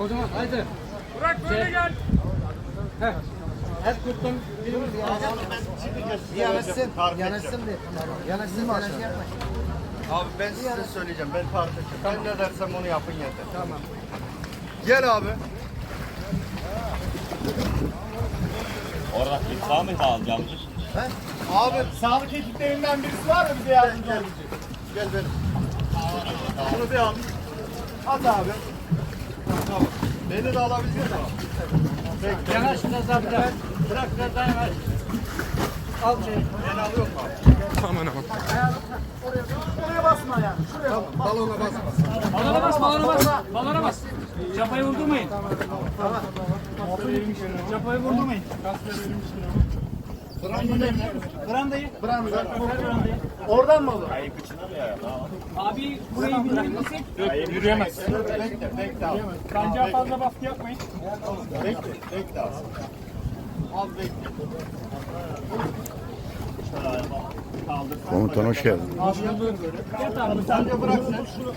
O zaman haydi. Burak böyle gel. Heh. Her kurtun Yanaşsın de. Yanaşsın mı aşağı? Abi ben size söyleyeceğim. Ben tarif edeceğim. Ben ne dersem onu yapın yeter. Tamam. Gel abi. Orada sağ mı alacağım? Abi sağlık ekiplerinden birisi var mı bize yardımcı olacak? Gel benim. Şunu bir al. At abi. Tamam. Beni de alabilir misin? Bekle. Yanaş biraz daha bırak. Bırak biraz daha yanaş. Al şey. Beni alıyor mu abi? Oraya basma yani. Şuraya. Balona basma. Balona bas, balona bas. Balona bas. Çapayı vurdurmayın. Çapayı vurdurmayın. Brandayı. Branda. Oradan mı olur? Abi burayı bilir misin? Yürüyemez. Bekle abi. Kancağa fazla baskı yapmayın. Bekle abi. Abi bekle. Komutan hoş geldin. Sen de bırak sen. Şunu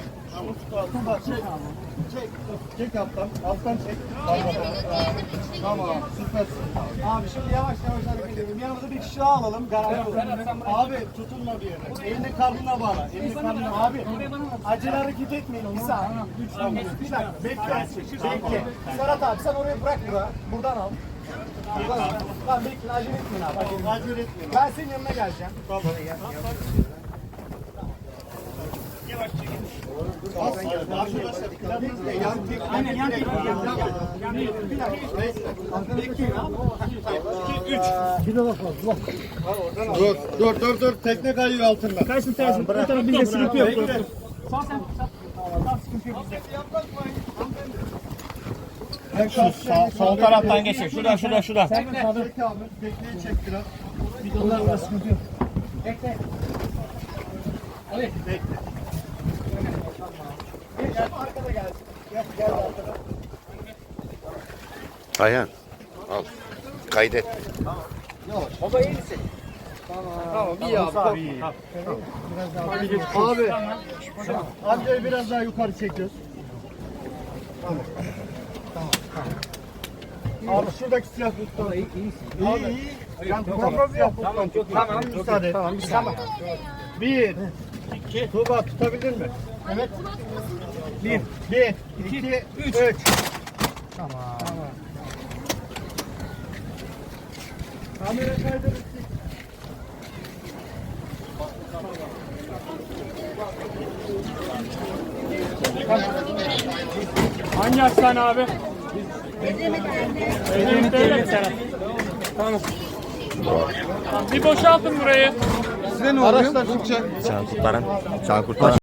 çek alttan. Alttan çek. Tamam. Süpersin. Abi şimdi yavaş yavaş hareket edelim. Yanımıza bir kişi daha alalım. Garanti olsun. Abi tutunma bir yere. Elini karnına bağla. Elini karnına. Abi Acele hareket etmeyin. Bir saniye. Bir dakika. Bekle. Bekle. Serhat abi sen orayı bırak burada. Buradan al. Buradan al. Tamam bekle. Acele etmeyin abi. Acele etmeyin. acele etmeyin. Ben senin yanına geleceğim. Arkadaşlar planınız ne? Yan tek. Aynen yan tek. Dur. Tekne kayıyor altında. Kaysın tersin. Bu tarafa bizde sıkıntı yok. Sağ sen. Sağ sıkıntı yok bizde. Sol taraftan geçecek. Şuradan. Çek abi. Tekneyi çek biraz. Bidonlarla sıkıntı yok. Bekle. Ali. Gel arkada gelsin. Gel arkada. Ayhan. Al. Kaydet. Baba iyi misin? Tamam iyi abi. Abi. Amcayı biraz daha yukarı çekiyoruz. Tamam. Abi şuradaki silah tutalım. İyi. Yani kontrolü yap. Tamam müsaade. Tamam müsaade. Bir. İki. Tuğba tutabilir mi? Evet. Bir. İki. Üç. Tamam. Kamera kaydı. Hangi hastane abi? Edemit Devlet Serhat. Tamam. Bir boşaltın burayı. Size ne oluyor? Araçlar çıkacak. Can kurtaran.